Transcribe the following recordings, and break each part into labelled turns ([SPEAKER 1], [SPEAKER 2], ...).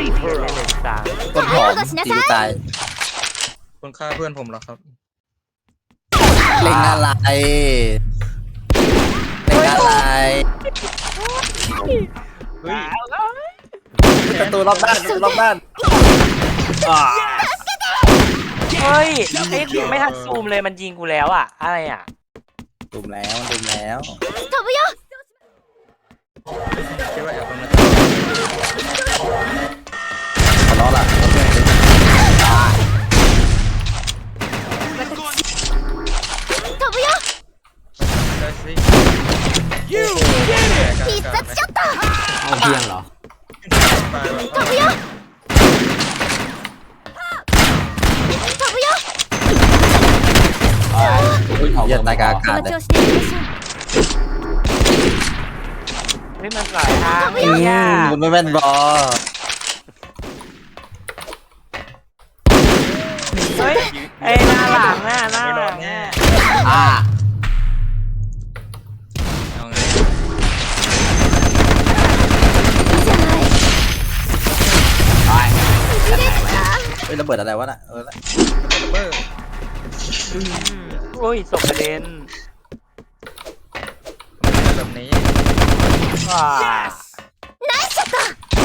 [SPEAKER 1] ตีเพื่อนเลยดีกว่า
[SPEAKER 2] ต้นหอมตีกูตาย
[SPEAKER 3] คนฆ่าเพื่อนผมเหรอครับ
[SPEAKER 2] เล็งอะไรเล็งอะไร
[SPEAKER 3] เฮ้ย
[SPEAKER 2] ประตูรอบด้านประตูรอบด้าน
[SPEAKER 1] เฮ้ยไอ้ไม่ทันซูมเลยมันยิงกูแล้วอ่ะอะไรอ่ะ
[SPEAKER 2] ตุ่มแล้วตุ่มแล้ว
[SPEAKER 3] คิดว่าแอบตรงนั้น
[SPEAKER 2] ขอร้องล่ะ
[SPEAKER 3] ได้สิ
[SPEAKER 4] 必殺ショット
[SPEAKER 5] เอาเพียงเหรอ
[SPEAKER 3] ตายแบบ
[SPEAKER 4] 飛ぶよ飛ぶよ
[SPEAKER 2] อย่าตายกลางอากาศ
[SPEAKER 4] こ
[SPEAKER 2] เลย
[SPEAKER 4] の調子でいきましょう
[SPEAKER 1] เฮ้ยมันหลายทาง
[SPEAKER 2] อื
[SPEAKER 1] เนี่ย
[SPEAKER 2] มคุณไม่แม่นบอ
[SPEAKER 1] เฮ้ยไอ้หน้าหลังน่ะหน้าหลังเนี่ย
[SPEAKER 5] อ่า
[SPEAKER 3] เอาไง
[SPEAKER 4] いいじゃない
[SPEAKER 5] ไป
[SPEAKER 2] เฮ้ยระเบิดอะไรวะน่ะ
[SPEAKER 3] ระเบิด
[SPEAKER 1] โอ้ยศพกระเด็น
[SPEAKER 3] แบบนี้
[SPEAKER 1] ว้า
[SPEAKER 4] ナイスショット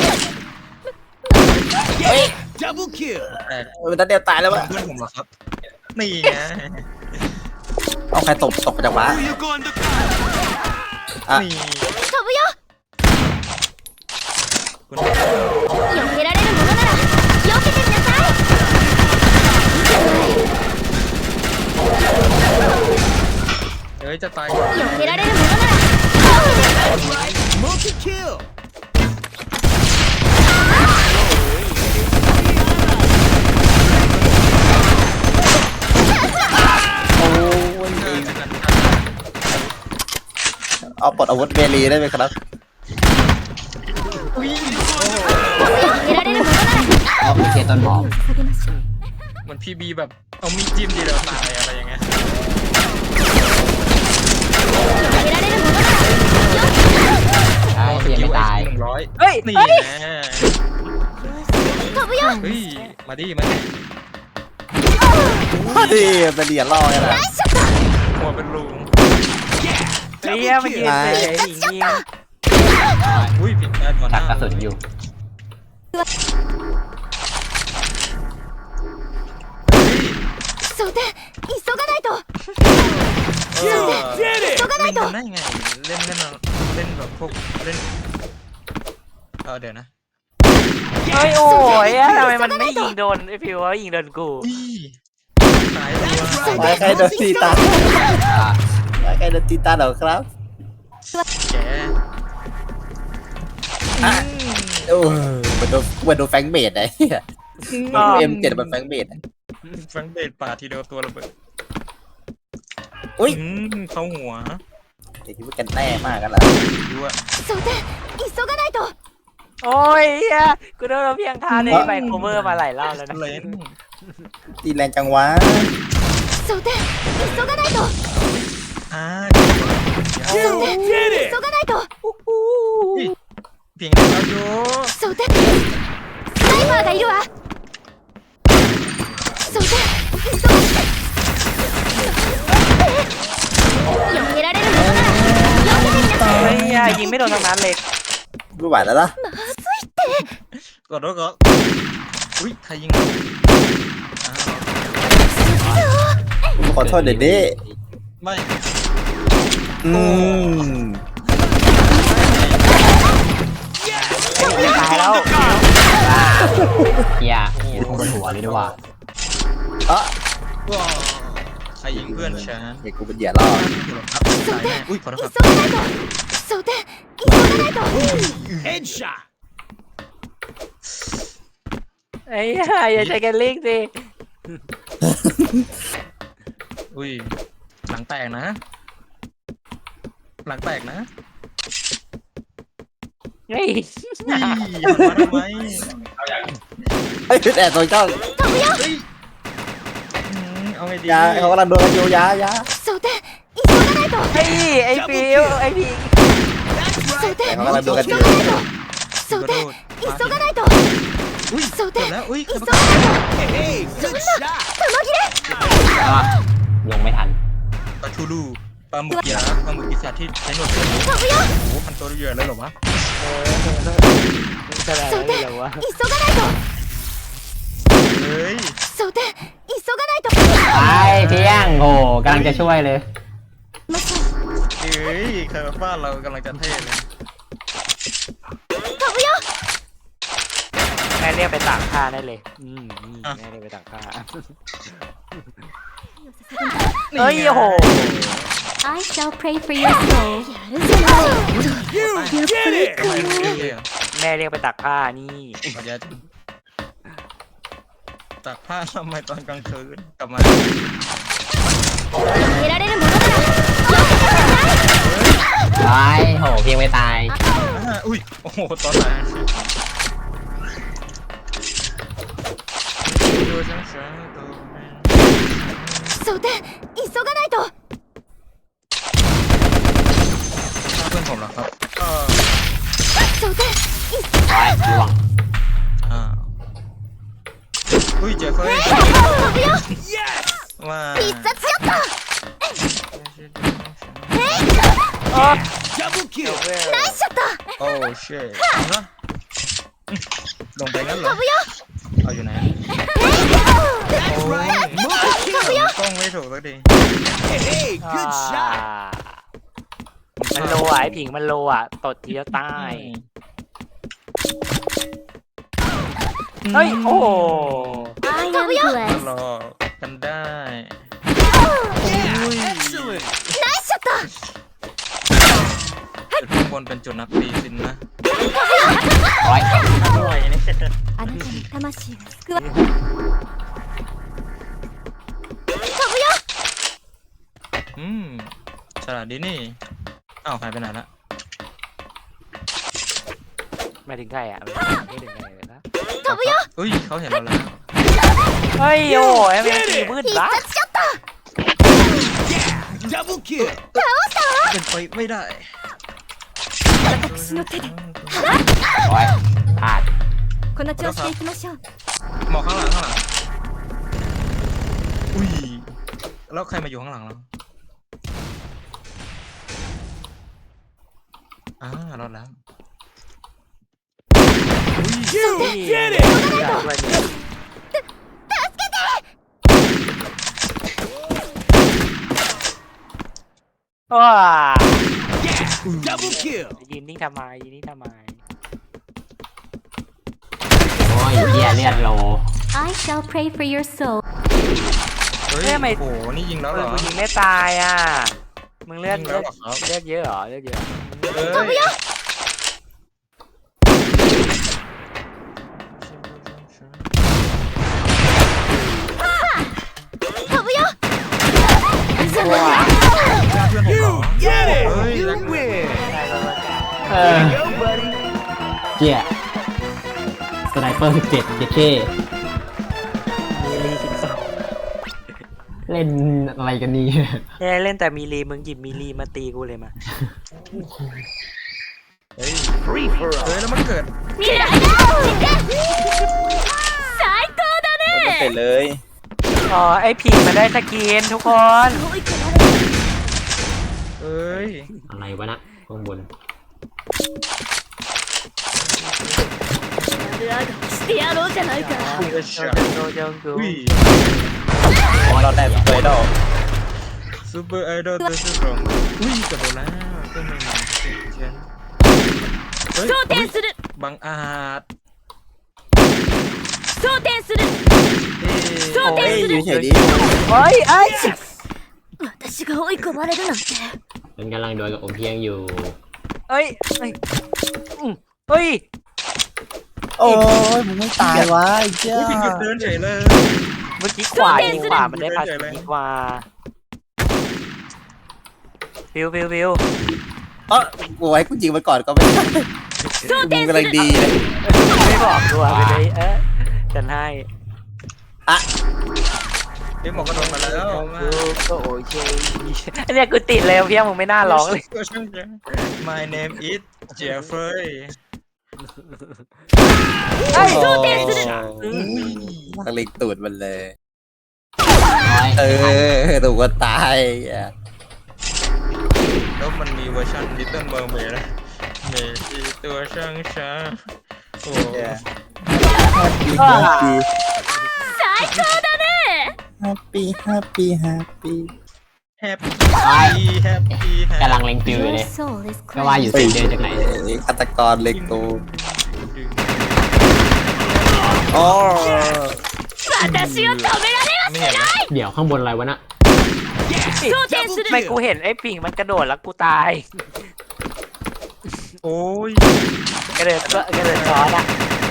[SPEAKER 3] แต่
[SPEAKER 2] มันนัดเดียวตายแล้ววะ
[SPEAKER 3] เพื่อนผมเหรอครับนี่ไง
[SPEAKER 2] เอาใครตกไปจากว้าอ่ะ
[SPEAKER 3] นี่
[SPEAKER 4] 飛ぶよ
[SPEAKER 3] คุณ
[SPEAKER 4] 避けられるものなら避けてみなさいいいじゃない
[SPEAKER 3] เฮ้ยจะตายก่อน
[SPEAKER 4] 避けられるものなら
[SPEAKER 2] โอ้ยเอาปลดอาวุธเมลีได้ไหมครับ
[SPEAKER 4] 避けられるものなら
[SPEAKER 5] เอาไปเคต้นหอม
[SPEAKER 4] 下げましょう
[SPEAKER 3] เหมือนพี่บีแบบเอามีดจิ้มทีเดียวตายอะไรอย่างเงี้ย
[SPEAKER 4] 避けられるものなら
[SPEAKER 5] ใช่ยังไม่ตาย
[SPEAKER 3] 100
[SPEAKER 1] เฮ้ย
[SPEAKER 3] นี่
[SPEAKER 1] เฮ้ย
[SPEAKER 3] แน่
[SPEAKER 4] 飛ぶよ
[SPEAKER 3] เฮ้ยมาดิมาดิ
[SPEAKER 2] ดิเป็นเหรียญล่อไงล่ะ
[SPEAKER 4] ナイスショット
[SPEAKER 3] หัวเป็นรู
[SPEAKER 1] เฮียมันยืนเลยยิงยิง
[SPEAKER 3] อุ้ยผิดได้ก่อนห
[SPEAKER 5] ชั
[SPEAKER 3] น้าก
[SPEAKER 5] กระสุนอยู่
[SPEAKER 4] そうだ急がないと
[SPEAKER 3] เออ
[SPEAKER 4] 急がないと
[SPEAKER 3] เล่นได้ไงเล่นแบบพวกเล่นเดี๋ยวนะ
[SPEAKER 1] เฮ้ยโอ้ยทำไมมันไม่ยิงโดนไอ้ฟิวว่ายิงโดนกู
[SPEAKER 3] อุ้ยตายตัว
[SPEAKER 2] ไว้ใครโดนตีตา
[SPEAKER 5] อ่า
[SPEAKER 2] ไว้ใครโดนตีตาเหรอครับ
[SPEAKER 3] แก
[SPEAKER 2] โอ้มันโดนแฟงเบดไอ้เหี้ยมันเอ็มเจ็ดมันแฟงเบด
[SPEAKER 3] แฟงเบดป่าทีเดียวตัวระเบิด
[SPEAKER 2] อุ้ย
[SPEAKER 3] เข้าหัว
[SPEAKER 2] เดี๋ยวคิดว่ากันแน่มากกันละ
[SPEAKER 3] ดูอะ
[SPEAKER 4] そうだ急がないと
[SPEAKER 1] โอ้ยเฮียกูโดนเพียงท่าในไมโครเวอร์มาหลายรอบแล้วนะ
[SPEAKER 3] เล่น
[SPEAKER 2] ตีแรงจังวะ
[SPEAKER 4] そうだ急がないと
[SPEAKER 3] อ่า
[SPEAKER 4] そうだ急がないと
[SPEAKER 3] เพียงแต่เราอยู่
[SPEAKER 4] そうだスナイパーがいるわそうだ急が避けられるものなら避けてみなさい
[SPEAKER 1] เฮ้ยยิงไม่โดนตรงนั้นเลย
[SPEAKER 2] ไม่ไหวแล้วล่ะ
[SPEAKER 4] まずいって
[SPEAKER 3] กดรถก็อุ้ยใครยิงเรา
[SPEAKER 2] ขอโทษเด็ดดิ
[SPEAKER 3] ไม่
[SPEAKER 2] อืม
[SPEAKER 1] ตายแล้ว
[SPEAKER 5] เฮียอยู่ข้างบนหัวเลยด้วยว่า
[SPEAKER 2] อ่ะ
[SPEAKER 3] ว้าวใครยิงเพื่อนฉัน
[SPEAKER 2] เด็กกูเป็นเหยื่อล่อ
[SPEAKER 3] ครับตายแน่อุ้ยขอโทษครับ
[SPEAKER 4] 急がないとそうだ急がないと
[SPEAKER 1] ไอ้เหี้ยอย่าใช้กันลิงสิ
[SPEAKER 3] อุ้ยหลังแตกนะ หลังแตกนะ
[SPEAKER 1] เฮ้ย
[SPEAKER 3] มาทำไม
[SPEAKER 2] เฮ้ยแต่ตัวเจ้า
[SPEAKER 3] เอาไงดี
[SPEAKER 2] ยาเขากำลังโดนกันอยู่ยายา
[SPEAKER 4] そうだ急がないと
[SPEAKER 1] เฮ้ยไอ้ฟิวไอ้พิง
[SPEAKER 4] そうだ
[SPEAKER 2] แต่เขากำลังโดนกันอยู่
[SPEAKER 4] そうだ急がないと装填
[SPEAKER 3] แล้วอุ้ย
[SPEAKER 4] 急がないとそんな玉切れ
[SPEAKER 5] อ่ะลงไม่ทัน
[SPEAKER 3] ปลาทูลูปลาหมึกยักษ์ปลาหมึกปีศาจที่ใช้หนวดเสือ
[SPEAKER 4] 飛ぶよ
[SPEAKER 3] โอ้โหพันตัวเยอะเลยเหรอวะ
[SPEAKER 1] จะอะไร
[SPEAKER 4] 装
[SPEAKER 1] ไม่
[SPEAKER 4] 填
[SPEAKER 1] รู้วะ
[SPEAKER 4] 急がないと
[SPEAKER 3] เฮ้ย
[SPEAKER 4] 装填急がないと
[SPEAKER 5] ไปเพียงโหกำลังจะช่วยเลย
[SPEAKER 4] ましょ
[SPEAKER 3] เฮ้ยใครมาฟาดเรากำลังจะเท่เลย
[SPEAKER 4] う飛ぶよ
[SPEAKER 1] แม่เรียกไปตากผ้าได้เลยแม่เรียกไปตากผ้าเฮ้ยโอ้โห
[SPEAKER 4] I shall pray for your soul やるじゃない
[SPEAKER 3] ทำไมไม่เท่อะ
[SPEAKER 1] แม่เรียกไปตากผ้านี่
[SPEAKER 3] ขอแย่จังตากผ้าทำไมตอนกลางคืนกลับมา
[SPEAKER 4] 得られるものなら避けてください
[SPEAKER 5] ไปโหเพียงไม่ตาย
[SPEAKER 3] อุ้ยโอ้โหตอนไหนตัวฉันเสือตัวแม่
[SPEAKER 4] 装填急がないと
[SPEAKER 3] ถ้าเพื่อนผมเหรอครับ
[SPEAKER 4] 装填
[SPEAKER 5] ไปล่วง
[SPEAKER 3] อุ้ยเจ๊เฟ้ย
[SPEAKER 4] 飛ぶよ
[SPEAKER 3] ว่า
[SPEAKER 4] 必殺ショット ナイスショット
[SPEAKER 3] โอ้เช่นะลงไปงั้นเหรอ
[SPEAKER 4] 飛ぶよ
[SPEAKER 3] เอาอยู่ไหนโอ้ย
[SPEAKER 4] 飛ぶよ
[SPEAKER 3] กล้องไม่ถูกสักที
[SPEAKER 1] มันโลอ่ะไอ้ผิงมันโลอ่ะตดทีแล้วตายเฮ้ยโอ้โห
[SPEAKER 4] I am blessed
[SPEAKER 3] รอกันได้
[SPEAKER 4] ナイスショット
[SPEAKER 3] จุดข้างบนเป็นจุดนักตีสินนะ
[SPEAKER 5] ร้อย
[SPEAKER 3] อร่อยนี่
[SPEAKER 4] あなたに魂が救わ飛ぶよ
[SPEAKER 3] ฉลาดดีนี่อ้าวหายไปไหนละ
[SPEAKER 1] ไม่ถึงใครอ่ะไม่ถึงใครเลยนะ
[SPEAKER 4] 飛ぶよ
[SPEAKER 3] อุ้ยเขาเห็นเราแล้ว
[SPEAKER 1] เฮ้ยโอ้ยแม่งตีมืด
[SPEAKER 4] 必
[SPEAKER 1] ละ
[SPEAKER 4] 殺ショット
[SPEAKER 3] เป็นไปไม่ได้
[SPEAKER 4] 私の手で
[SPEAKER 5] ร้อยพลาด
[SPEAKER 4] この調子でいきましょう
[SPEAKER 3] หมอกข้างหลังข้างหลังอุ้ยแล้วใครมาอยู่ข้างหลังเรารอดแล้ว
[SPEAKER 1] ว้ายืนนิ่งทำไมยืนนิ่งทำไม
[SPEAKER 5] โอ้ยเหี้ยเลือดโล
[SPEAKER 4] I shall pray for your soul
[SPEAKER 3] เฮ้ยโอ้โหนี่ยิงแล้วเหรอ
[SPEAKER 1] มึงยิงไม่ตายอ่ะมึงเลือด
[SPEAKER 3] ยิงแล้วเหรอครับ
[SPEAKER 1] เลือดเยอะเหรอเลือดเยอะ
[SPEAKER 3] เฮ้ย
[SPEAKER 4] 飛ぶよ
[SPEAKER 1] ว้า
[SPEAKER 3] เพื่อนผมเหรอเฮ้ยรักเว้ย
[SPEAKER 5] เออเจี๊ยสไนเปอร์17เจเค
[SPEAKER 1] มีลี12
[SPEAKER 5] เล่นอะไรกันนี่
[SPEAKER 1] เล่นแต่มีลีมึงหยิบมีลีมาตีกูเลยมา
[SPEAKER 3] เฮ้ยแล้วมันเกิด
[SPEAKER 4] 未来だ最高だ
[SPEAKER 2] ไม่เสร็จเลย
[SPEAKER 1] อ๋อไอ้ผิงมันได้สกินทุกคน
[SPEAKER 3] เอ้ย
[SPEAKER 5] อะไรวะนะข้างบน
[SPEAKER 4] してやろうじゃないか
[SPEAKER 1] โดนจงกู
[SPEAKER 3] อุ้ย
[SPEAKER 2] เราได้สเปรย์ดอก
[SPEAKER 3] ซูเปอร์ไอดอลตัวสุดหล่ออุ้ยกระโดดแล้วก็ไม่มีเชียนเฮ้ย
[SPEAKER 4] 装填する
[SPEAKER 3] บังอาจ
[SPEAKER 4] 装填する
[SPEAKER 3] เฮ้ย
[SPEAKER 2] เฮ้ยอยู่เฉยดิ
[SPEAKER 1] เฮ้ยไอ้
[SPEAKER 4] 私が追い込まれるなんて
[SPEAKER 5] มันกำลังโดนกับอมเพียงอยู่
[SPEAKER 1] เฮ้ยเฮ้ย
[SPEAKER 2] โอ้ยมึงไม่ตายวะไอ้เจ้า
[SPEAKER 3] อุ้ยพิงหยุดเดินเฉยเลย
[SPEAKER 1] เมื่อกี้ขวายิงขวามันได้พาสยิงขวาฟิว
[SPEAKER 2] เออกูไว้กูยิงมันก่อนก็ไม่ได้มึงกำลังดีเลย
[SPEAKER 1] ไม่บอกตัวไปเลยฉันให้
[SPEAKER 3] เฮ้ยหมอกกระโดดมาแล้วมา
[SPEAKER 1] ก็โอเคอันเนี้ยกูติดเลยเพี้ยมึงไม่น่าร้องเลย
[SPEAKER 3] My name is Jeffrey
[SPEAKER 1] เฮ้ย
[SPEAKER 2] โอ้ต้องเล็งตูดมันเลย
[SPEAKER 5] ร้อย
[SPEAKER 2] ถูกว่าตายอ่ะ
[SPEAKER 3] แล้วมันมีเวอร์ชัน Little Mermaid นะเมจิตัวช่างช้าโอ้
[SPEAKER 4] 最高だね
[SPEAKER 2] แฮปปี้แฮปปี้แฮปปี้
[SPEAKER 3] แฮปปี้แฮปปี้
[SPEAKER 5] กำลังเล็งฟิวอยู่เลย
[SPEAKER 4] そうです
[SPEAKER 5] ก็ว่าอยู่สีเดินจากไหน
[SPEAKER 2] ฆาตกรเล็งตูดอ๋อ
[SPEAKER 4] 私を止められは
[SPEAKER 3] ไม่เห็นนะ
[SPEAKER 5] เดี๋ยวข้างบนอะไรวะน่ะ
[SPEAKER 4] 装填する
[SPEAKER 1] ไม่กูเห็นไอ้ปิ่งมันกระโดดแล้วกูตาย
[SPEAKER 3] โอ้ย
[SPEAKER 1] กระเดิดซ้อนอ่ะ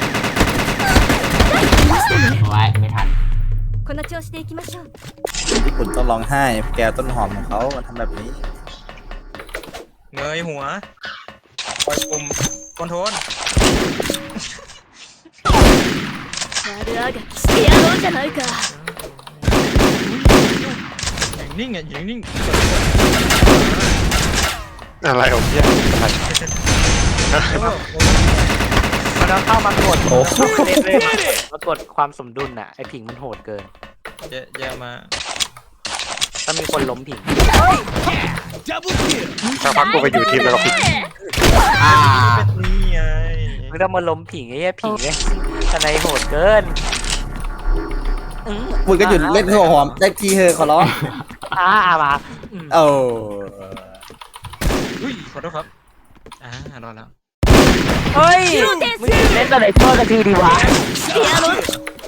[SPEAKER 5] ไว้ไม่ทัน
[SPEAKER 4] この調子でいきましょう
[SPEAKER 2] ญี่ปุ่นต้องร้องไห้แกวต้นหอมของเขามาทำแบบนี้
[SPEAKER 3] เงยหัวปล่อยปุ่มคอนโทรล
[SPEAKER 4] 悪あがきしてやろうじゃないか
[SPEAKER 3] อย่างนิ่งอ่ะอย่างนิ่ง
[SPEAKER 6] อะไรของเนี่ยอะไร
[SPEAKER 1] มันต้องเข้ามากดเล่นมากดความสมดุลน่ะไอ้ผิงมันโหดเกิน
[SPEAKER 3] อย่ามา
[SPEAKER 1] ต้องมีคนล้มผิง
[SPEAKER 6] สักพักกูไปอยู่ทีมแล้วก็ผิด
[SPEAKER 5] อ่า
[SPEAKER 3] เป็นนี่ไง
[SPEAKER 1] มึงต้องมาล้มผิงไอ้เหี้ยผิงไอ้ทนายโหดเกิน
[SPEAKER 2] มึงก็หยุดเล่นหัวหอมได้ทีเธอขอร้อง
[SPEAKER 1] มา
[SPEAKER 2] โอ้
[SPEAKER 3] อุ้ยขอโทษครับรอแล้ว
[SPEAKER 1] เฮ้ยมึงเล่นตัวไหนตัวกันทีดีวะ
[SPEAKER 4] してやろう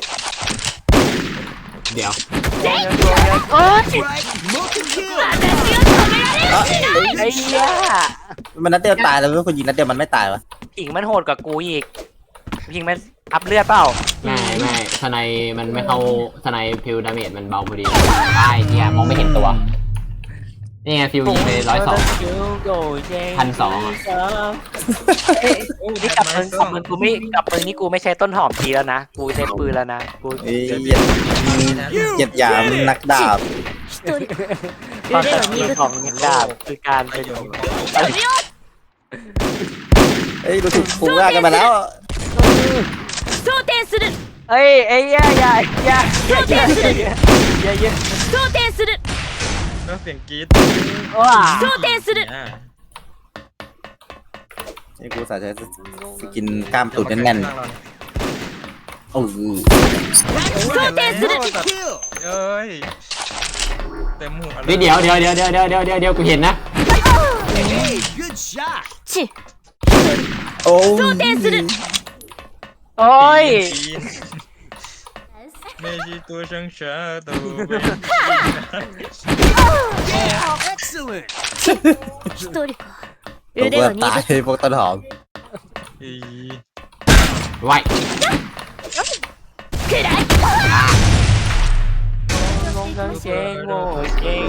[SPEAKER 5] เดี๋ยว
[SPEAKER 1] โอ้ย
[SPEAKER 4] 私を止められは
[SPEAKER 1] ไอ้เหี้ย
[SPEAKER 2] มันนัดเดียวตายแล้วคนยิงนัดเดียวมันไม่ตายวะ
[SPEAKER 1] ผิงมันโหดกว่ากูอีกผิงมันอัพเลือดเปล่า
[SPEAKER 5] ไม่ทนายมันไม่เข้าทนายฟิวดาเมจมันเบาพอดีใช่เนี่ยมองไม่เห็นตัวนี่ไงฟิวยิงไป102 1,200
[SPEAKER 1] นี่กลับปืนกูไม่กลับปืนนี่กูไม่ใช้ต้นหอมทีแล้วนะกูใช้ปืนแล้วนะกู
[SPEAKER 2] เหยียดหยามนักดาบ
[SPEAKER 4] 一人
[SPEAKER 1] ความสำคัญของมิดดาบคือการเป็น
[SPEAKER 2] เอ้ยดูถูกผูกร่างกันมาแล้ว
[SPEAKER 4] 装填する
[SPEAKER 1] เอ้ยไอ้ย่า
[SPEAKER 4] 装填する
[SPEAKER 3] ก็เสียงกรี๊ด
[SPEAKER 1] ว้า
[SPEAKER 4] 装填する
[SPEAKER 2] ไอ้กูสาใช้สกินกล้ามตุ่นแน่นๆโอ้ย
[SPEAKER 4] 装填する
[SPEAKER 3] เอ้ยเต็มหัว
[SPEAKER 5] เดี๋ยวกูเห็นนะ
[SPEAKER 4] チ
[SPEAKER 2] โอ้
[SPEAKER 4] 装填する
[SPEAKER 1] โอ้ย
[SPEAKER 3] เมจิตัวช่างช้าตัว
[SPEAKER 4] 一人か
[SPEAKER 2] ตัว
[SPEAKER 4] 腕
[SPEAKER 2] ก็
[SPEAKER 4] が
[SPEAKER 2] ตาย
[SPEAKER 4] 鈍
[SPEAKER 2] พวกต้นหอม
[SPEAKER 5] ไว้
[SPEAKER 4] くらい
[SPEAKER 1] เจ๊งโง่เจ๊ง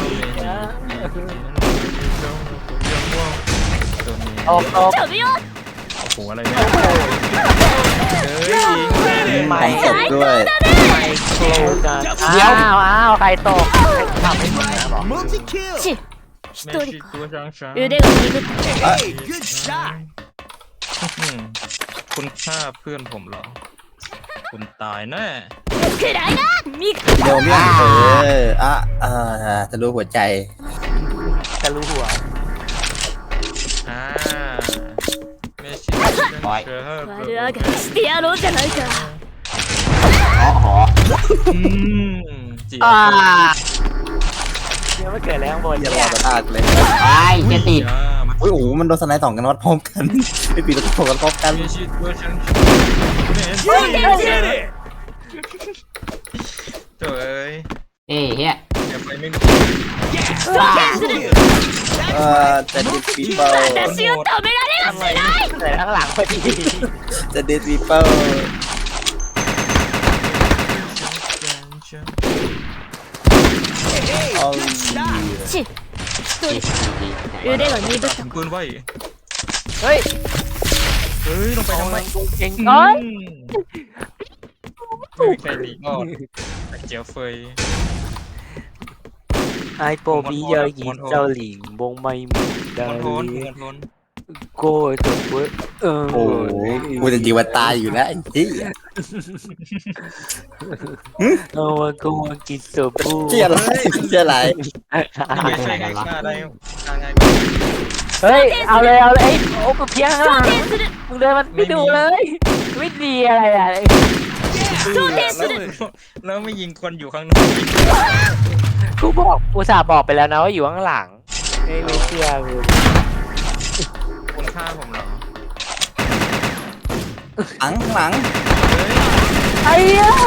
[SPEAKER 1] ออก
[SPEAKER 4] 飛ぶよ
[SPEAKER 3] โอ้โหอะไรเนี่ยเฮ้ย
[SPEAKER 1] ไม่
[SPEAKER 2] ของตกด้วย
[SPEAKER 1] ไม่โคลกันอ้าวใครตกทำไม่หมดนะบอก
[SPEAKER 4] チ一
[SPEAKER 3] เมจิ
[SPEAKER 4] 人か
[SPEAKER 3] ตัวช่างช้า
[SPEAKER 4] 腕が鈍った
[SPEAKER 3] คุณฆ่าเพื่อนผมเหรอคุณตายแน่
[SPEAKER 4] くらいな味方
[SPEAKER 2] เดี๋ยวเมี่ยงจะรู้หัวใจ
[SPEAKER 1] จะรู้หัว
[SPEAKER 3] เมจิตัวช่างช้า
[SPEAKER 4] 悪あがきしてやろうじゃないか
[SPEAKER 3] จีบ
[SPEAKER 1] เดี๋ยวไม่เกิดแล้วข้างบน
[SPEAKER 2] อย่า
[SPEAKER 1] เนี่
[SPEAKER 2] รอย ตาเลย
[SPEAKER 5] ไอ้เจติด
[SPEAKER 2] โอ้โหมันโดนสไนด์สองกันวัดพร้อมกันไม่ปีแล้วก็โผล่กันพร้อมกัน
[SPEAKER 3] เมจิตัวช่างช้าเอ้ย
[SPEAKER 5] เอ้เฮีย
[SPEAKER 3] อย่าไปไม่
[SPEAKER 4] 装填する
[SPEAKER 2] จะดิสปีเปิล
[SPEAKER 4] 私を止められはしない
[SPEAKER 1] เกิดข้างหลังพอดี
[SPEAKER 2] จะดิสปีเปิลโอ้ย
[SPEAKER 4] チ一人腕が鈍った
[SPEAKER 3] ถึงปืนไว้
[SPEAKER 1] เฮ้ย
[SPEAKER 3] เฮ้ยลงไปทำไม
[SPEAKER 1] เก่งก้อน
[SPEAKER 3] ไม่มีใครหลีกอดแต่เจียวเฟย
[SPEAKER 1] ไอโปบีเยอะยินเจ้าหลิงวงไม่มีได้
[SPEAKER 3] คอนโทนคอนโทน
[SPEAKER 1] โก้จบเว้ย
[SPEAKER 2] โอ้โหกูจะยิงมันตายอยู่แล้วไอ้ที่
[SPEAKER 1] โอ้กูมากินสูบบู
[SPEAKER 2] เชี่ยอะไรเชี่ยอะไร
[SPEAKER 3] ไม่ใช่ไงฆ่าได้ฆ่าง่าย
[SPEAKER 1] เฮ้ยเอาเลยไอ้โอ้กูเพี้ยงข้างหลังมึงเดินมันไม่ดูเลยไม่ดีอะไรอ่ะ
[SPEAKER 3] แล้วไม่ยิงคนอยู่ข้างนอก
[SPEAKER 1] กูบอกอุตส่าห์บอกไปแล้วนะว่าอยู่ข้างหลังไม่เชื่อกู
[SPEAKER 3] คุณฆ่าผมเหรอ
[SPEAKER 2] หลังข้างหลัง
[SPEAKER 1] ไอ้ย่า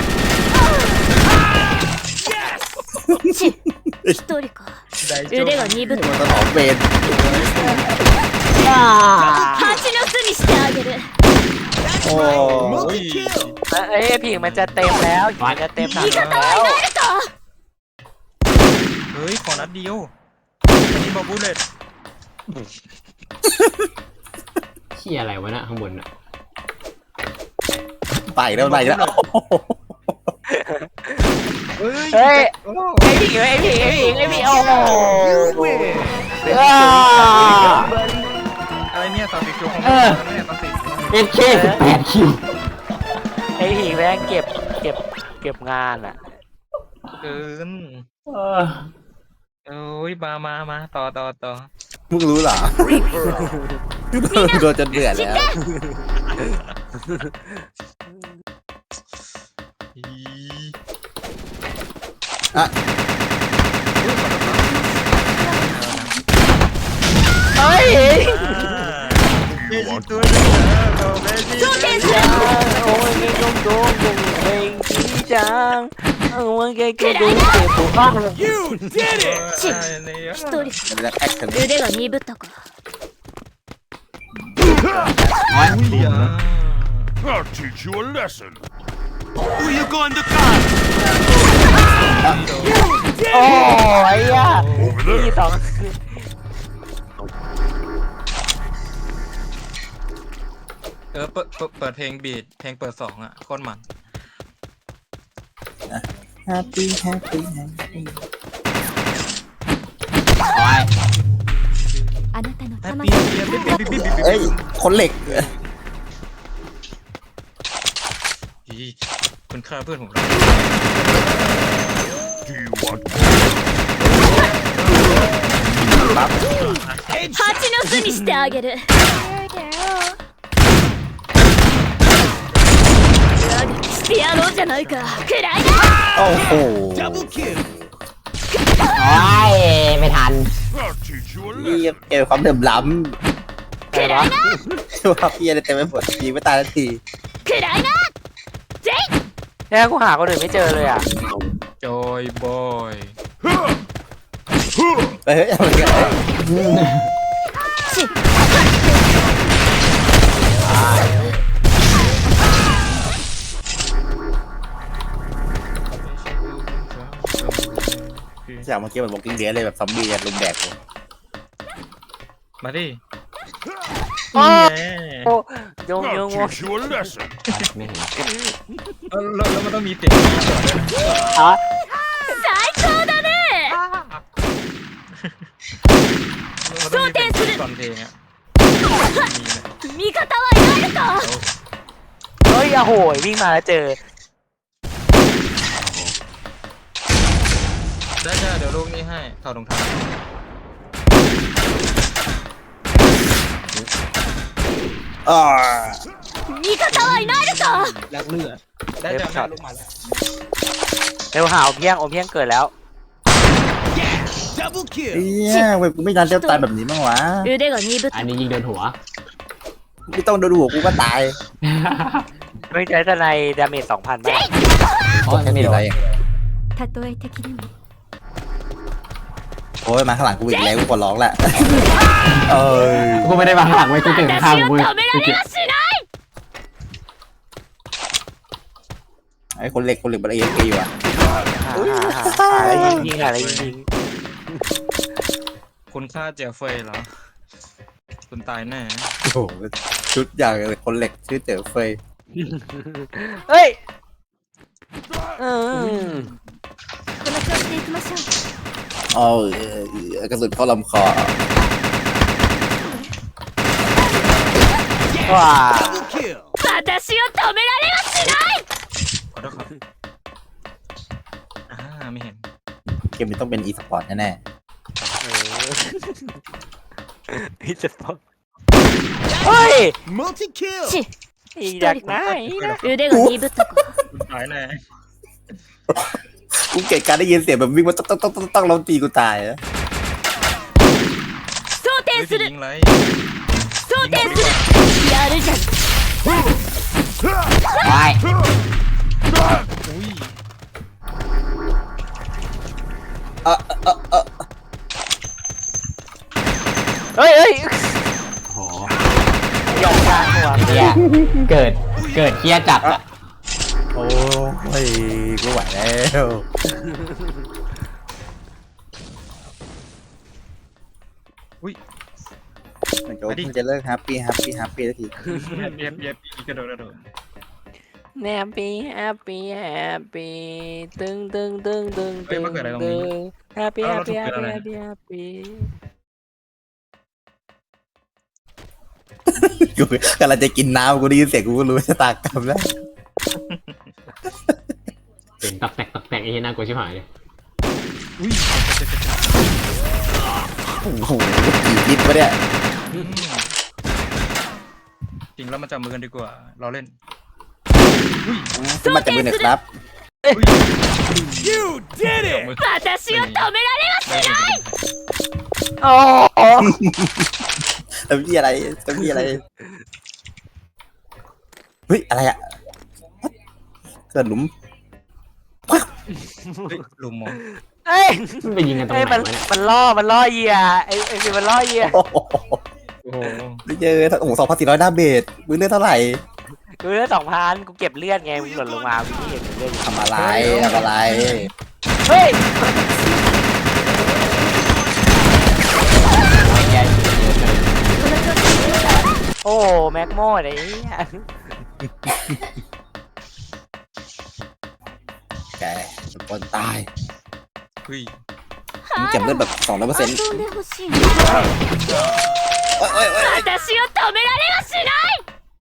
[SPEAKER 4] 一人か
[SPEAKER 3] ได้โจ
[SPEAKER 4] 腕が鈍っ
[SPEAKER 2] มันต้องหอมเวน
[SPEAKER 4] 蜂の巣にしてあげる
[SPEAKER 2] โอ้
[SPEAKER 3] โอ้ย
[SPEAKER 1] ไอ้ผิงมันจะเต็มแล้วมันจะเต็มถังแล้ว
[SPEAKER 4] あるか
[SPEAKER 3] เฮ้ยขอนัดเดียวอันนี้บอบูเลต
[SPEAKER 5] เชี่ยอะไรวะน่ะข้างบนน่ะ
[SPEAKER 2] ไปแล้วไปแล้ว
[SPEAKER 1] เฮ้ยไอ้ผิงโอ้โห
[SPEAKER 3] อะไรเนี่ยตอนติดคิวของเนี่ยตอนติด
[SPEAKER 5] เอฟเค18 คิว
[SPEAKER 1] ไอ้ผิงแม่งเก็บงานอ่ะ
[SPEAKER 3] เกิน
[SPEAKER 5] เออ
[SPEAKER 3] โอ้ยมาต่อ
[SPEAKER 2] มึงรู้เหรอโดนจนเบื่อแล้ว
[SPEAKER 3] อี
[SPEAKER 2] อ่ะ
[SPEAKER 1] เฮ้ย
[SPEAKER 3] เฮ้ยตัวนึงเราไม่ดี
[SPEAKER 1] โอ้ยไม่ต้องโดนกูเองที่จังมันแค่กูดูเจ็บปวด
[SPEAKER 4] 一人
[SPEAKER 2] มันจะแอคกัน
[SPEAKER 4] 腕が鈍ったか
[SPEAKER 7] I'll teach you a lesson.
[SPEAKER 1] โอ้ยอ่ะ
[SPEAKER 7] Over
[SPEAKER 1] ที่
[SPEAKER 7] there.
[SPEAKER 1] สอง
[SPEAKER 3] เปิดเพลงบีทเพลงเปิด2อ่ะโคตรมัน
[SPEAKER 2] แฮปปี้แฮปปี้แฮปปี้
[SPEAKER 5] โอ้ย
[SPEAKER 4] あなたの
[SPEAKER 3] แฮป
[SPEAKER 4] 魂
[SPEAKER 3] ปี้
[SPEAKER 2] เอ้ยคนเหล็ก
[SPEAKER 3] คุณฆ่าเพื่อนผมแล้ว
[SPEAKER 7] Do you want
[SPEAKER 4] 蜂の巣にしてあげる長くしてやろうじゃないかくらいな
[SPEAKER 2] โอ้โห
[SPEAKER 5] โอ้ยไม่ทัน
[SPEAKER 7] I'll teach you a
[SPEAKER 2] นี่
[SPEAKER 7] lesson.
[SPEAKER 2] เกมความเดิมล้
[SPEAKER 1] อะไรวะ
[SPEAKER 2] ำว่าพี่อะไรเต็มไปหมดยิงไม่ตายทันที
[SPEAKER 4] くらいなぜい
[SPEAKER 1] แค่กูหาคนอื่นไม่เจอเลยอ่ะ
[SPEAKER 3] จอยบอย
[SPEAKER 2] เฮ้ยอะไรกัน จากเมื่อกี้มันบอกกิ้งเดียเลยแบบซอมบี้จะลุมแดกเลย
[SPEAKER 3] มาดิ
[SPEAKER 1] โอ้
[SPEAKER 3] นี่ไง
[SPEAKER 1] โอ้ยง
[SPEAKER 7] I'll teach you a lesson.
[SPEAKER 5] ไม่เห็น
[SPEAKER 3] แล้วมันต้องมีเสียงด้วยนะ
[SPEAKER 1] อ่ะ
[SPEAKER 4] 最高だね
[SPEAKER 3] มันต้องมีเสียงตอนเพลงอ่ะ
[SPEAKER 4] 味方はいないのか
[SPEAKER 1] เฮ้ยโอ้โหวิ่งมาแล้วเจอ
[SPEAKER 3] ได้เดี๋ยวลูกนี้ให้ถอดรองเท้า
[SPEAKER 2] อ่า
[SPEAKER 4] 味方はいないのか
[SPEAKER 3] ได้เดี๋ยวให้ลูกมาแล้ว
[SPEAKER 1] เร็วหาอมเพียงเกิดแล้ว
[SPEAKER 2] เนี่ยเว้ยกูไม่นานจะตายแบบนี้มั้งวะ
[SPEAKER 4] 腕が鈍っ
[SPEAKER 5] อันนี้ยิงโดนหัว
[SPEAKER 2] ไม่ต้องโดนหัวกูก็ตาย
[SPEAKER 1] ไม่ใช่ทนายดาเมจ 2,000บ้าง
[SPEAKER 5] โอ้ย
[SPEAKER 2] แค่
[SPEAKER 5] ไม่
[SPEAKER 2] นี้
[SPEAKER 5] โด
[SPEAKER 2] อะไร
[SPEAKER 5] น
[SPEAKER 4] たとえ敵でも
[SPEAKER 2] โอ้ยมาข้างหลังกูอีกแล้วกูขอร้องแหละเอ้ย
[SPEAKER 5] กูไม่ได้มาหักไว้กูเก่งข้าง
[SPEAKER 4] 私を
[SPEAKER 5] กู
[SPEAKER 4] 止められはしない
[SPEAKER 2] ไอ้คนเหล็กมันเอฟเอยู่อะ
[SPEAKER 1] หาอะไรยิงอะไรยิง
[SPEAKER 3] คุณฆ่าเจฟเฟยเหรอคุณตายแน่
[SPEAKER 2] โอ้โหชุดอย่างเลยคนเหล็กชื่อเจ๋อเฟย
[SPEAKER 1] เฮ้ย
[SPEAKER 4] この調子でいきましょう
[SPEAKER 2] อ๋อกระสุนเข้าลำคอ
[SPEAKER 1] ว้า
[SPEAKER 4] バ私を止められはしない。
[SPEAKER 3] ขอโทษครับไม่เห็น
[SPEAKER 2] เกมนี้ต้องเป็นอีสปอร์ตแน่
[SPEAKER 1] พี่จะบอกเฮ้ย
[SPEAKER 7] Multi kill.
[SPEAKER 4] ち、
[SPEAKER 1] อีอยากได้นะ
[SPEAKER 4] 腕が鈍ったか。
[SPEAKER 3] คุณตายแน่
[SPEAKER 2] ๆกูเกลียดการได้ยินเสียงแบบวิ่งมาต้องเราตีกูตายอะ
[SPEAKER 4] 装
[SPEAKER 3] ไม่
[SPEAKER 4] 填す
[SPEAKER 3] ได้
[SPEAKER 4] る
[SPEAKER 3] ยิงไร
[SPEAKER 4] 装填する。やるじゃん。
[SPEAKER 5] ไว้
[SPEAKER 3] อุ้ย
[SPEAKER 1] เฮ้ยเฮ้ย
[SPEAKER 5] โอ้โห
[SPEAKER 1] ยอมกลางหัว
[SPEAKER 5] เฮียเกิดเฮียจัดอะ
[SPEAKER 2] โอ้ยกูไหวแล้ว
[SPEAKER 3] อุ้ย
[SPEAKER 2] เหมือนกับว่ามันจะเลิกแฮปปี้สักที
[SPEAKER 3] เย็บกระโดด
[SPEAKER 1] แฮปปี้แฮปปี้แฮปปี้ตึงตึงตึงตึงตึงตึงแฮปปี้แฮปปี้แฮปปี้แฮปปี้แฮปปี้
[SPEAKER 2] กูกำลังจะกินน้ำกูได้ยินเสียงกูก็รู้ชะตากรรมแล้ว
[SPEAKER 5] เป็นตักแตกไอ้เหี้ยน่ากลัวชิบหายเลย
[SPEAKER 3] อุ้ย
[SPEAKER 2] โอ้โหกี่ลิตรวะเนี่ย
[SPEAKER 3] จริงแล้วมาจับมือกันดีกว่าเราเล่น
[SPEAKER 2] ขึ้นมาจับมือหน่อยครับ
[SPEAKER 7] You did it.
[SPEAKER 4] 私を止められはしない。
[SPEAKER 1] โอ้โห
[SPEAKER 2] ทำยี่อะไรเฮ้ยอะไรอะเกิดหลุม
[SPEAKER 3] ลุมมอง
[SPEAKER 1] เอ้ย
[SPEAKER 5] มันไปยิงกันตรง
[SPEAKER 1] เอ้ย
[SPEAKER 5] ไหน
[SPEAKER 1] มัน
[SPEAKER 5] วะเนี่ย
[SPEAKER 1] มันล่อเหยื่อไอ้มันล่อเหยื่อ
[SPEAKER 2] โอ้โห
[SPEAKER 3] โอ้โห
[SPEAKER 2] ได้เจอโอ้โห2,400ดาเมจมือเลือดเท่าไหร่
[SPEAKER 1] กูเลือด2,000กูเก็บเลือดไงมึงหล่นลงมาพี่เห็นเลือด
[SPEAKER 2] ทำอะไร
[SPEAKER 1] เฮ้ย
[SPEAKER 5] ไอ้เหี้ยเยอะเกิน
[SPEAKER 1] โอ้แม็กโมดไอ้เหี้ย
[SPEAKER 2] แกทุกคนตาย
[SPEAKER 3] อุ้ย
[SPEAKER 2] มึงเก็บเลือดแบบ200%
[SPEAKER 4] 遊んでほしいな。私を止められはしない。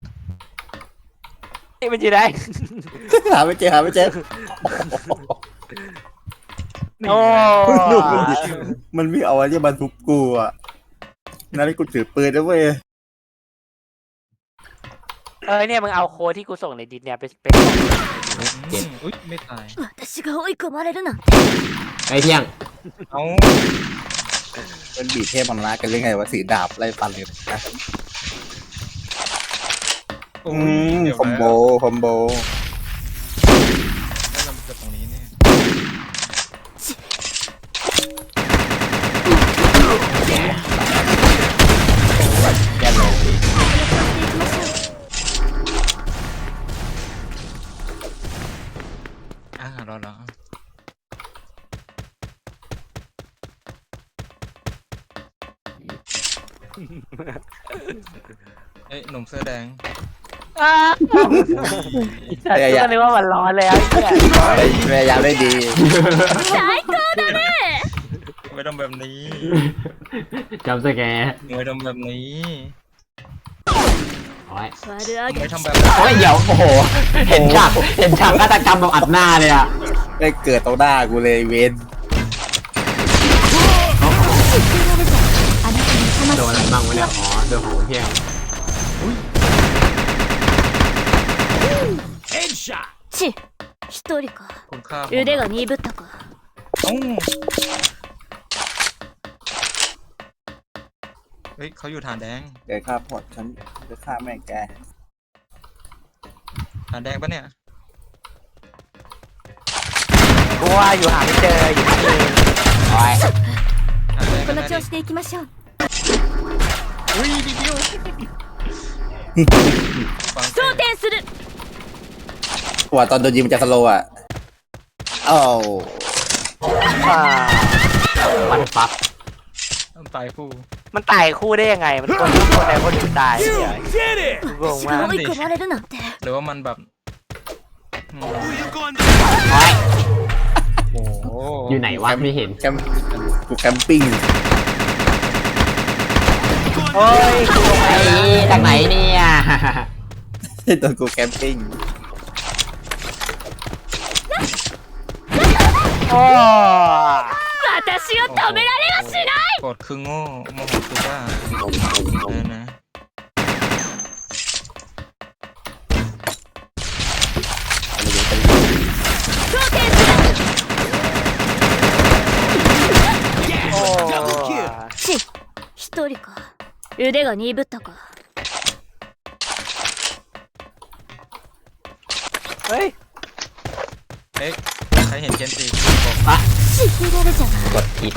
[SPEAKER 1] นี่มันอยู่ไหน
[SPEAKER 2] หาไม่เจอ
[SPEAKER 1] โอ้
[SPEAKER 2] มันไม่เอาอะไรมาทุบกูอ่ะนั่นกูถือปืนแล้วเว้ย
[SPEAKER 1] เนี่ยมึงเอาโค้ดที่กูส่งในดิสเนี่ยไป
[SPEAKER 3] อุ้ยไม่ตาย
[SPEAKER 4] 私が追い込まれるなんて。
[SPEAKER 5] ไอ้เที่ยง
[SPEAKER 3] เอา
[SPEAKER 2] เป็นบีเทพมันละกันเรื่องไงว่าสีดาบไล่ฟันเลยนะ คอมโบ
[SPEAKER 3] แล้วเราจะตรงนี้เนี่ย
[SPEAKER 5] แย่เลย
[SPEAKER 3] รอเอ้ยหนุ่มเสื้อแดง
[SPEAKER 1] แต่ก็เลยว่ามันร้อนแล้วไอ้เหี้ย
[SPEAKER 2] พยายามได้ดี
[SPEAKER 4] 最高だね。
[SPEAKER 3] ไม่ต้องแบบนี้
[SPEAKER 5] จำสแกร์
[SPEAKER 3] ไม่ต้องแบบนี้
[SPEAKER 5] โอ้ย
[SPEAKER 4] 悪あが
[SPEAKER 3] ไม่ทำแบบ
[SPEAKER 5] โอ้ยเดี๋ยวโอ้โหเห็นฉากฆาตกรรมแบบอัดหน้าเลยอะ
[SPEAKER 2] ได้เกิดตรงหน้ากูเลยเวน
[SPEAKER 5] โดนอะไรบ้างวะเนี่ยอ๋อโดนของเที่ยง
[SPEAKER 7] Headshot.
[SPEAKER 4] ち、一人か。
[SPEAKER 3] คุณค่า
[SPEAKER 4] 腕が鈍ったか。
[SPEAKER 3] เฮ้ยเขาอยู่ฐานแดง
[SPEAKER 2] เดี๋ยวฆ่าพอดฉันจะฆ่าแม่งแก
[SPEAKER 3] ฐานแดงปะเนี่ย
[SPEAKER 1] กูว่าอยู่หาไม่เจออยู่ที่นี่
[SPEAKER 5] โอ้ย
[SPEAKER 3] ฐานแดง
[SPEAKER 4] この調子でいきましょう。
[SPEAKER 3] อุ้ยดีเดียวฟัง
[SPEAKER 4] 装填する。
[SPEAKER 2] ว่าตอนโดนยิงมันจะสโลว์อ่ะอ้าว
[SPEAKER 5] มันฟัก
[SPEAKER 3] ตายคู่
[SPEAKER 1] มันตายคู่ได้ยังไงมันคนใดคนหนึ่งตายเนี่ย
[SPEAKER 7] Did it.
[SPEAKER 1] งง
[SPEAKER 4] 私
[SPEAKER 1] มาก
[SPEAKER 4] が追い込まれるなんて。
[SPEAKER 3] หรือว่ามันแบบ
[SPEAKER 7] Who you going
[SPEAKER 5] โอ้ย
[SPEAKER 3] โอ้โห
[SPEAKER 5] อยู่ไหนวะไม่เห็น
[SPEAKER 2] แคมกูแคมปิ้ง
[SPEAKER 1] โอ้ยกูลงไป
[SPEAKER 5] ไอ้จากไหนเนี่ย
[SPEAKER 2] โดนกูแคมปิ้ง
[SPEAKER 1] โอ้
[SPEAKER 4] 私を止められはしない
[SPEAKER 3] โกรธคือโง่โมโหคือบ้านะ
[SPEAKER 4] 装填す
[SPEAKER 1] โอ้
[SPEAKER 4] るち一人か腕が鈍ったか
[SPEAKER 1] เฮ้ย
[SPEAKER 3] เอ๊ะใครเห็นเจนซีบอก
[SPEAKER 4] 知ってられじゃない
[SPEAKER 5] กดผิด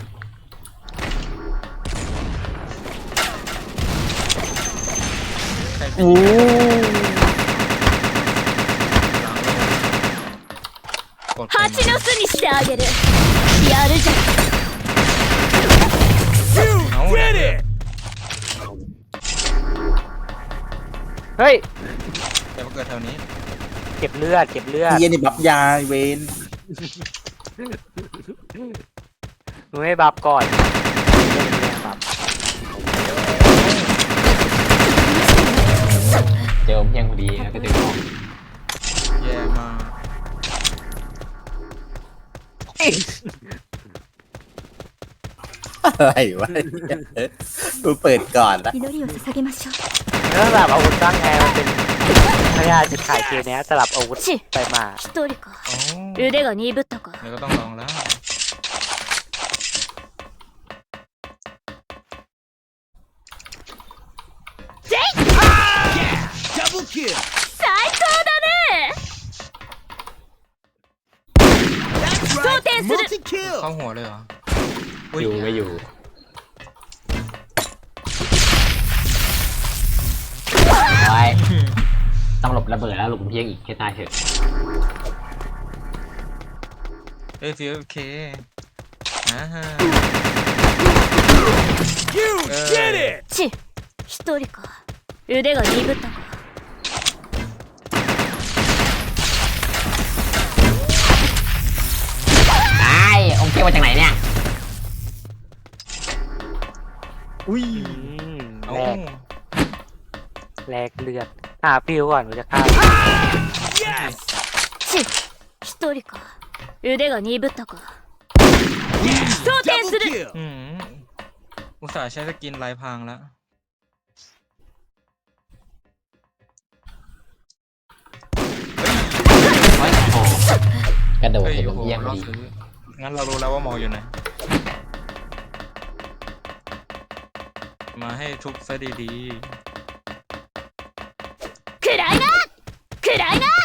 [SPEAKER 3] ใครเป็น
[SPEAKER 1] โอ้
[SPEAKER 3] กด
[SPEAKER 4] 蜂の巣にしてあげるやるじゃん
[SPEAKER 3] เอา
[SPEAKER 7] Did it!
[SPEAKER 1] เฮ้ย
[SPEAKER 3] แต่มาเกิดแถวนี้
[SPEAKER 1] เก็บเลือด เก็บเลือด
[SPEAKER 2] เฮียนี่บัฟยาเวน
[SPEAKER 1] มึงให้บัฟก่อนบัฟ
[SPEAKER 5] เจอเพียงพอดีแล้วก็ดึงออก
[SPEAKER 3] แย่มาก
[SPEAKER 2] อะไรวะกูเปิดก่อนนะ
[SPEAKER 4] 祈りを捧げましょう
[SPEAKER 1] แล้วสลับอาวุธบ้างไงมันเป็นพยาจิตขายเกมเนี้ยสลับอาวุธ
[SPEAKER 4] ち
[SPEAKER 1] ไปมา
[SPEAKER 4] 一人か
[SPEAKER 3] โอ้
[SPEAKER 4] 腕が鈍ったか
[SPEAKER 3] เดี๋ยวก็ต้องลองแล้ว
[SPEAKER 7] Double kill.
[SPEAKER 4] 最高だね
[SPEAKER 7] That's right.
[SPEAKER 4] Soldiers.
[SPEAKER 7] Multi kill.
[SPEAKER 3] เข้าหัวเลยเหรอ
[SPEAKER 5] อยู่ไม่อยู่ไว้ต้องหลบระเบิดแล้วหลบเพียงอีกแค่ตายเถอะ
[SPEAKER 3] เอ้ยฟิวเคอ่าฮะ
[SPEAKER 7] You did it.
[SPEAKER 4] ち一人か腕が鈍ったか
[SPEAKER 5] ตายองค์เกี้ยวมาจากไหนเนี่ย
[SPEAKER 3] อุ้ย
[SPEAKER 1] แล
[SPEAKER 3] เอ้าก
[SPEAKER 1] แลกเลือดหาฟิวก่อนกูจะฆ่า
[SPEAKER 7] Yes.
[SPEAKER 4] ち一人か腕が鈍ったか装填
[SPEAKER 7] Double
[SPEAKER 4] する
[SPEAKER 7] kill.
[SPEAKER 3] อืมอุตส่าห์ใช้สกินลายพรางแล้ว
[SPEAKER 5] โอ้ยโอ้โหกระโดด
[SPEAKER 3] เฮ้ย
[SPEAKER 5] เห็น
[SPEAKER 3] โอ้โห
[SPEAKER 5] เพียงพ
[SPEAKER 3] ร
[SPEAKER 5] อ
[SPEAKER 3] อ
[SPEAKER 5] ดี
[SPEAKER 3] ซื้องั้นเรารู้แล้วว่าหมออยู่ไหน มาให้ทุบซะดี
[SPEAKER 4] 暗いな暗いな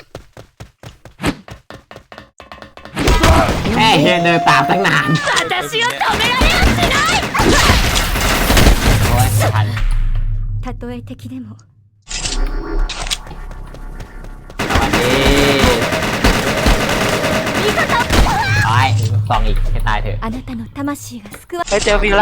[SPEAKER 5] แม่เฮียเดินตามตั้งนาน
[SPEAKER 4] 私を止められはしない
[SPEAKER 5] โอ้ยไม่ทัน
[SPEAKER 4] たとえ敵でも
[SPEAKER 5] สวัสดีไอ้สองอีกให้ตายเถอะ
[SPEAKER 4] あなたの魂が救わ
[SPEAKER 1] ไปเจอฟิวแล้ว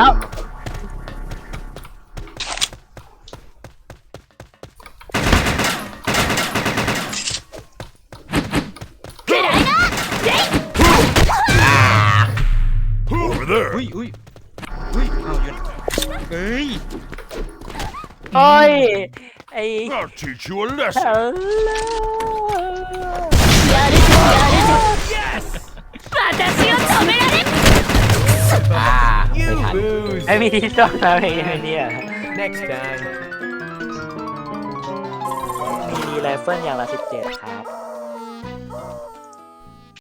[SPEAKER 4] 暗いな
[SPEAKER 5] อ่า
[SPEAKER 7] Over there.
[SPEAKER 3] ๆอุ้ยอุ้ยอุ้ยเอาอยู่เฮ้ย
[SPEAKER 1] โอ้ย ไอ้
[SPEAKER 7] I'll teach you a lesson.
[SPEAKER 1] เออ
[SPEAKER 4] やるじゃんやるじゃん
[SPEAKER 7] Yes.
[SPEAKER 4] 私を止められ
[SPEAKER 5] อ่าไม่ทัน
[SPEAKER 1] ไอ้มีที่ซ่อนอะไรไอ้เนี่ย
[SPEAKER 7] Next time.
[SPEAKER 1] มีไรเฟิลอย่างละ17 ครับ